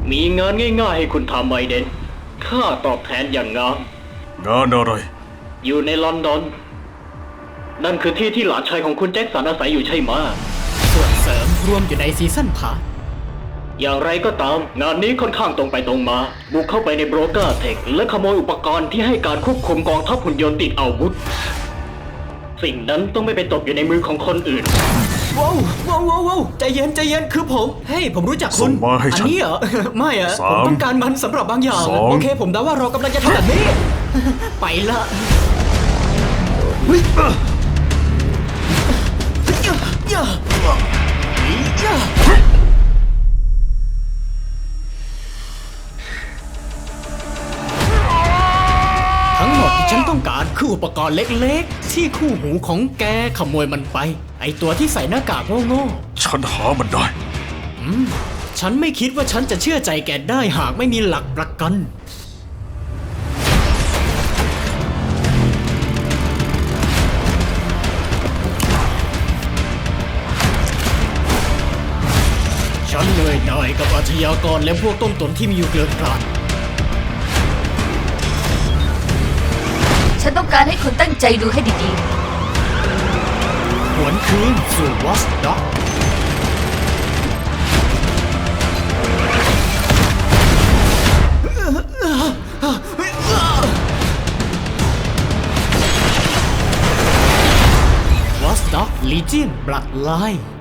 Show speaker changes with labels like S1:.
S1: มีงานง่ายๆให้คุณทำไอเดนค่าตอบแทนอย่างงาม
S2: งานอะไร
S1: อยู่ในลอนดอนนั่นคือที่ที่หลานชายของคุณแจ็คสันอาศัยอยู่ใช่ไหม
S3: ส่วนเสริมรวมอยู่ในซีซั่นพาร์ท
S1: อย่างไรก็ตามงานนี้ค่อนข้างตรงไปตรงมาบุกเข้าไปในโบรกเกอร์เทคและขโมยอุปกรณ์ที่ให้การควบคุมกองทัพหุ่นยนต์ติดอาวุธสิ่งนั้นต้องไม่ไปตกอยู่ในมือของคนอื่น
S3: ว้าวใจเย็นคือผมเฮ้ยผมรู้จักคุณ
S2: ส่งมาให้ฉัน
S3: อันนี้เหรอ ไม่อะ
S2: 3
S3: ผมต้องการมันสำหรับบางอย่าง
S2: 2
S3: โอเคผมเดาว่าเรากำลังจะทำแบบนี้ ไปละทั้งหมดที่ฉันต้องการคืออุปกรณ์เล็กๆที่คู่หูของแกขโมยมันไปไอตัวที่ใส่หน้ากากโง่ๆ
S2: ฉันหามันได้
S3: ฉันไม่คิดว่าฉันจะเชื่อใจแกได้หากไม่มีหลักประกันฉันเหนื่อยหน่ายกับอาชญากรและพวกต้มตุ๋นที่มีอยู่เกลื่อนกลาด
S4: ฉันต้องการให้คุณตั้งใจดูให้ดี
S3: หวนคืนสู่วอสด็อกวอสด็อกลีเจียนบลัดไลน์